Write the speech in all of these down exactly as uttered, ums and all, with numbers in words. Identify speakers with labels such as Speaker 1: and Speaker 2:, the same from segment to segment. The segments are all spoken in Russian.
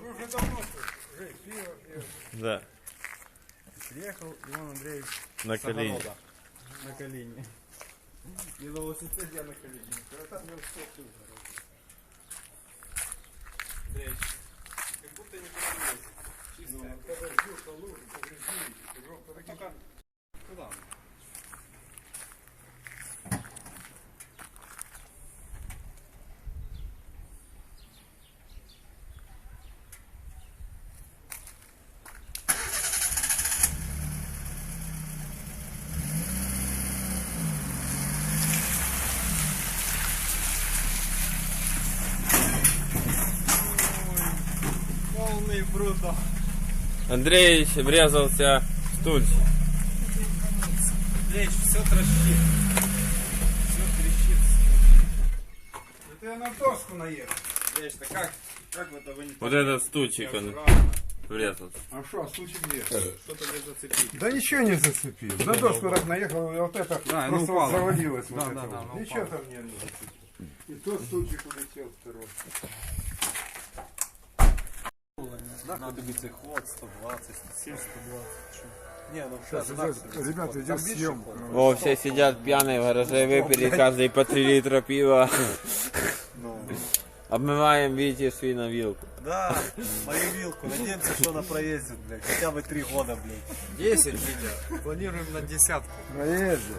Speaker 1: Вы уже давно уже пиво пьете.
Speaker 2: Да.
Speaker 1: Приехал Иван Андреевич
Speaker 2: На колени.
Speaker 1: на колени. И на велосипеде на колени. Когда там все тут. Как будто не понимаете. Чистая. Подожди, лужу, подожди. Только куда? Полный бруд.
Speaker 2: Андреевич врезался в стульчик.
Speaker 1: Андреевич, все трещит. Все трещит. Это я на доску наехал. Андреевич, да как? Как вы это вы не
Speaker 2: Вот этот стульчик он врезался.
Speaker 1: А что, стульчик где? Что-то не зацепил.
Speaker 3: Да ничего не зацепил. На доску так наехал, и вот это
Speaker 1: Да,
Speaker 3: просто
Speaker 1: ну,
Speaker 3: вот завалилось.
Speaker 1: Да,
Speaker 3: вот
Speaker 1: да,
Speaker 3: это
Speaker 1: да,
Speaker 3: вот.
Speaker 1: ну,
Speaker 3: Ничего
Speaker 1: упало.
Speaker 3: там не зацепил. И тот стульчик улетел второй.
Speaker 4: Надо быть ход сто двадцать, сто семьдесят, сто двадцать. Не, ну
Speaker 3: Сейчас идет, ребята, идет съемка.
Speaker 2: О, все сидят пьяные в гараже, выпили каждый по три литра пива. Обмываем Вите свиновилку.
Speaker 4: Да, мою вилку. Надеемся, что она проездит, блядь. Хотя бы три года, блядь.
Speaker 1: десять, Витя. Планируем на десятку.
Speaker 3: Проездит.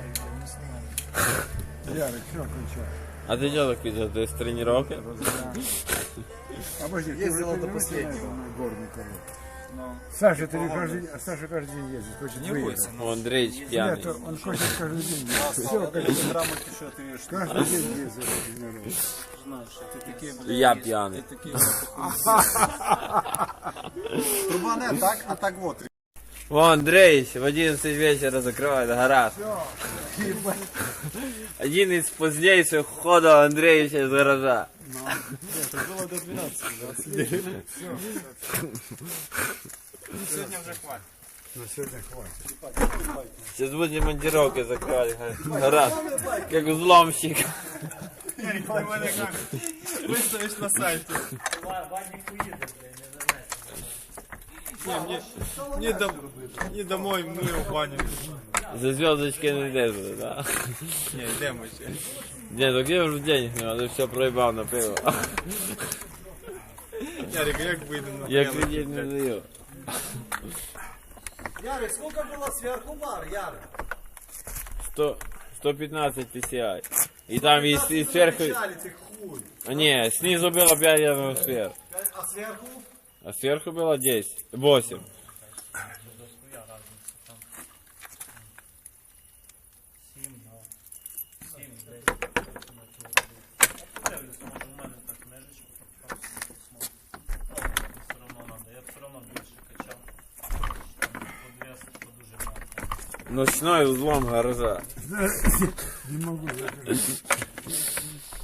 Speaker 3: Ярик, все, включай.
Speaker 2: А ты что так видел? Ты с тренировки?
Speaker 3: Обожди, ты
Speaker 4: Ездила
Speaker 3: уже
Speaker 4: до
Speaker 3: не
Speaker 4: последнего.
Speaker 3: на горника. Саша, ты каждый, Саша каждый день ездит, хочет выиграть.
Speaker 2: О, Андреевич пьяный.
Speaker 3: Нет, он хочет каждый день ездить.
Speaker 4: Все,
Speaker 3: Все,
Speaker 4: как граммов еще отвешь.
Speaker 3: каждый день ездит. тренируется.
Speaker 4: Знаешь, ты такие, блядь,
Speaker 2: Я пьяный.
Speaker 4: Труба не так, а так вот.
Speaker 2: О, Андреевич в одиннадцать вечера закрывает гараж. Один из позднейших ходов Андреевича из гаража.
Speaker 4: Это было до двенадцати.
Speaker 1: Сегодня уже хватит.
Speaker 3: На сегодня хватит.
Speaker 2: Сейчас будем монтировкой закрывать гараж. Как взломщик.
Speaker 1: Выставишь на сайте. Не, мне, мне, дом, мне домой, мы в баню.
Speaker 2: За звездочки не лезут, да?
Speaker 1: Не, йдемо ще.
Speaker 2: Не, ну где уже денег не надо, все проебал на пиво.
Speaker 1: Ярик, як вийдемо на
Speaker 2: Я
Speaker 1: п'яний,
Speaker 2: кредит не
Speaker 1: блядь?
Speaker 2: даю.
Speaker 4: Ярик, сколько было сверху бар, Ярик?
Speaker 2: сто, сто пятнадцать пи си ай. И там и, и сверху...
Speaker 4: Ты хуй.
Speaker 2: А, не, снизу было пять, я думаю, сверху.
Speaker 4: А сверху?
Speaker 2: А сверху было десять. восемь. Ночной взлом гаража.
Speaker 3: Не могу закрыть.